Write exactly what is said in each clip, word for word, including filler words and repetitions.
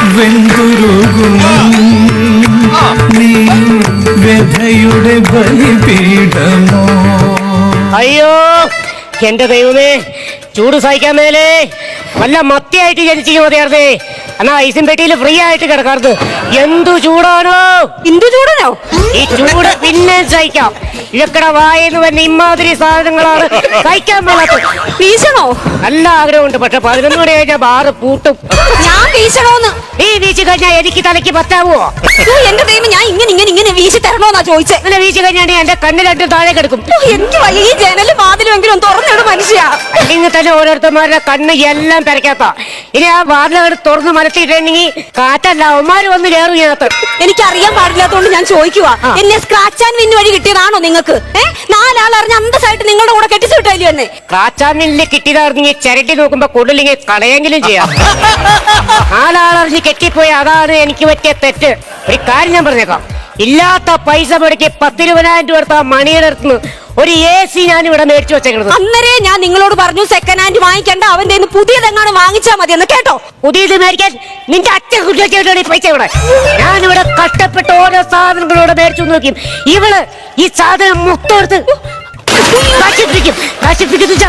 വെന്തുരുകും നീ വ്യഥയുടെ ബലിപീഠമോ. അയ്യോ എന്റെ ദൈവമേ, ചൂട് സഹിക്കാൻ മേലേ. വല്ല മത്തിയായിട്ട് ജനിച്ചിരിക്കും മതിയായിരുന്നേ. എന്നാ ഐസും പെട്ടിയിൽ ഫ്രീ ആയിട്ട് കിടക്കാറുണ്ട്. എന്തു ചൂടാണോ! എന്തു ചൂടനോ? ഈ ചൂട് പിന്നെ സഹിക്കാം. ഇഴക്കട വായെന്ന് പറഞ്ഞ ഇമാതിരി സാധനങ്ങളാണ് സഹിക്കാൻ പാടാത്തത്. വീശണോ? നല്ല ആഗ്രഹമുണ്ട്, പക്ഷെ പതിനൊന്ന് മണി കഴിഞ്ഞാൽ ബാറ് പൂട്ടും. ഞാൻ വീശണോന്ന്? നീ വീശി കഴിഞ്ഞാൽ എനിക്ക് തലയ്ക്ക് പറ്റാവോ? എന്റെ ദൈവം, ഞാൻ ഇങ്ങനെ ഇങ്ങനെ ഇങ്ങനെ വീശി തരണോന്നാ ചോദിച്ചേ. ഇങ്ങനെ വീശി കഴിഞ്ഞാൽ എന്റെ കണ്ണ് രണ്ടും താഴെ കിടക്കും. എനിക്ക് വയ്യ, ഈ ജനലും വാതിലുമെങ്കിലും തുറന്നിടും മനുഷ്യ. അല്ലെങ്കിൽ തന്നെ ഓരോരുത്തന്മാരുടെ കണ്ണ് എല്ലാം പെരക്കാത്ത. ഇനി ആ വാതിലകൾ തുറന്ന് മലത്തിയിട്ടുണ്ടെങ്കിൽ കാറ്റല്ല അവന്മാര് വന്ന് കയറും ഇതിനകത്ത്. എനിക്ക് അറിയാൻ പാടില്ലാത്തോണ്ട് ഞാൻ ചോദിക്കുവാ, എന്നെ സ്ക്രാച്ച് ആൻഡ് വിൻ വഴി കിട്ടിയതാണോ നിങ്ങൾക്ക്? ഏഹ് നാലാൾ അറിഞ്ഞ അന്തസ്സായിട്ട് നിങ്ങളുടെ കൂടെ കെട്ടിച്ചു വിട്ടാലും എന്നെ. സ്ക്രാച്ച് ആൻഡ് വിന്നിൽ കിട്ടിയതാണെങ്കിൽ ചിരട്ടി നോക്കുമ്പോ കൂടുതലിങ്ങനെ കളയെങ്കിലും ചെയ്യാം. നാലാളറിഞ്ഞ് കെട്ടിപ്പോയി, അതാണ് എനിക്ക് പറ്റിയ തെറ്റ്. ഒരു കാര്യം ഞാൻ പറഞ്ഞേക്കാം, ഇല്ലാത്ത പൈസ മുടക്കി പത്തിരുപതിനായിരം രൂപ എടുത്ത മണിയുടെ അടുത്ത് ഒരു എ സി ഞാൻ ഇവിടെ മേടിച്ചു വെച്ചേക്കുന്നത്. അന്നേരെ ഞാൻ നിങ്ങളോട് പറഞ്ഞു സെക്കൻഡ് ഹാൻഡ് വാങ്ങിക്കണ്ട, അവന്റെ പുതിയതെങ്ങാനും വാങ്ങിച്ചാ മതി എന്ന് കേട്ടോ. പുതിയത് മേടിക്കാൻ നിന്റെ അച്ഛൻ കുട്ടിയുടെ പൈസ ഇവിടെ. ഞാനിവിടെ കഷ്ടപ്പെട്ട് ഓരോ സാധനങ്ങളോട് മേടിച്ചു നോക്കി. ഇവള് ഈ സാധനം മൊത്തമെടുത്ത് നശിപ്പിക്കും. നശിപ്പിക്കുന്ന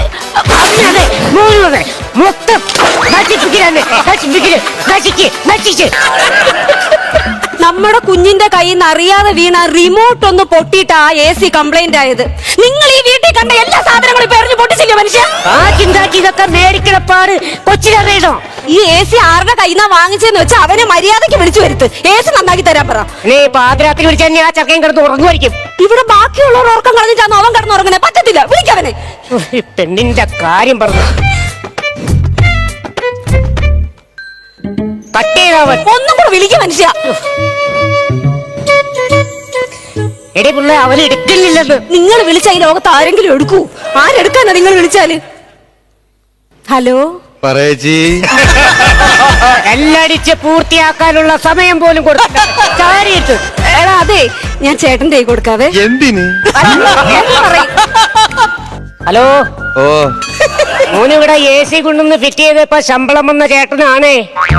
മൊത്തം നശിപ്പിക്കലാണ്. നശിപ്പിക്കല് നശിക്ക് നശിച്ച് നമ്മുടെ കുഞ്ഞിന്റെ കയ്യിൽ നിന്ന് അറിയാതെ വീണ റിമോട്ട് ഒന്ന് പൊട്ടിയിട്ട് ആ എ സി കംപ്ലൈന്റ് ആയത്. നിങ്ങൾ ഈ വീട്ടിൽ കണ്ട എല്ലാ സാധനങ്ങളും പെറിഞ്ഞു പൊട്ടിച്ചില്ലേ മനുഷ്യ? ആ ചിന്താക്കി ഇതൊക്കെ മേടിക്കണപ്പാട് കൊച്ചിനറിയണോ? ഈ എ സി ആരുടെ കയ്യിൽ നിന്നാ വാങ്ങിച്ചെന്ന് വെച്ചാൽ അവനെ മര്യാദയ്ക്ക് വിളിച്ചു വരുത്ത്. എ സി നന്നാക്കി തരാൻ പറ. നീ പാതിരാത്രി വിളിച്ച ആ ചക്കയും കിടന്ന് ഉറങ്ങുമായിരിക്കും. ഇവിടെ ബാക്കിയുള്ളവർ ഉറക്കം കളഞ്ഞിട്ടാണ് അവൻ കിടന്ന് ഉറങ്ങണേ. പറ്റത്തില്ല, വിളിക്കവനെ. പെണ്ണിന്റെ കാര്യം പറഞ്ഞു കട്ടേവൻ. ഒന്നും കൂടെ വിളിക്കും മനുഷ്യ. എടി പിള്ള, അവൻ എടുക്കില്ലെന്ന്. നിങ്ങൾ വിളിച്ച ഈ ലോകത്ത് ആരെങ്കിലും എടുക്കൂ? ആരെടുക്കാനാ നിങ്ങൾ വിളിച്ചാല്? ഹലോ പറയേച്ചി, എല്ലടിച്ച് പൂർത്തിയാക്കാനുള്ള സമയം പോലും കൊടുത്തു. എടാ അതെ, ഞാൻ ചേട്ടന്റെ കൈ കൊടുക്കാവേ. എന്തിന്? ഹലോ, ഓ മോനിവിടെ എ സി കൊണ്ടൊന്ന് ഫിറ്റ് ചെയ്തപ്പോ ശമ്പളം വന്ന ചേട്ടനാണേ.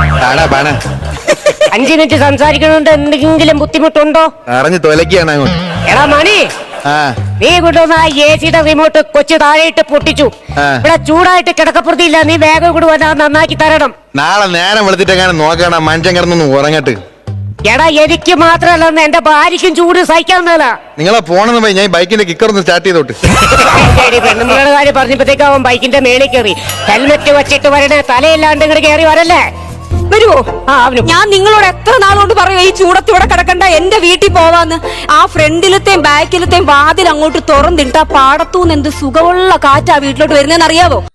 അഞ്ചു മിനിറ്റ് സംസാരിക്കണോണ്ട് എന്തെങ്കിലും ബുദ്ധിമുട്ടുണ്ടോ? അറിഞ്ഞു തൊലക്കാണ് അങ്ങോട്ട്. എടാ മണി, നീ കൊണ്ടുവന്ന ആ എ സിയുടെ റിമോട്ട് കൊച്ചു താഴെയിട്ട് പൊട്ടിച്ചു. ഇവിടെ ചൂടായിട്ട് കിടക്കപ്പുറത്തില്ല. നീ വേഗം കൂടെ വന്നാ നന്നാക്കി തരണം. നാളെ നേരം വെളുത്തിട്ടെങ്ങനെ നോക്കണം, മനുഷ്യൻ കിടന്നൊന്ന് ഉറങ്ങട്ട്. എടാ എനിക്ക് മാത്രമല്ലെന്ന് എന്റെ ഭാര്യയ്ക്കും ചൂട് സഹിക്കാവുന്നതല്ല. നിങ്ങളെ പോണെന്ന് പോയി ഞാൻ ബൈക്കിന്റെ കിക്കർ ഒന്ന് സ്റ്റാർട്ട് ചെയ്തോട്ട്. പെണ്ണുങ്ങളുടെ കാര്യം പറഞ്ഞപ്പോഴത്തേക്ക് അവൻ ബൈക്കിന്റെ മേളിൽ കയറി. ഹെൽമെറ്റ് വെച്ചിട്ട് വരണേ, തലയില്ലാണ്ട് ഇങ്ങോട്ട് കയറി വരല്ലേ. വരുവോ? ആ, ഞാൻ നിങ്ങളോട് എത്ര നാളോണ്ട് പറയും ഈ ചൂടത്തൂടെ കിടക്കണ്ട, എന്റെ വീട്ടിൽ പോവാന്ന്. ആ ഫ്രണ്ടിലത്തെയും ബാക്കിലത്തെയും വാതിൽ അങ്ങോട്ട് തുറന്നിട്ട് ആ പാടത്തൂന്ന് എന്ത് സുഖമുള്ള കാറ്റാ വീട്ടിലോട്ട് വരുന്നതെന്ന് അറിയാവോ?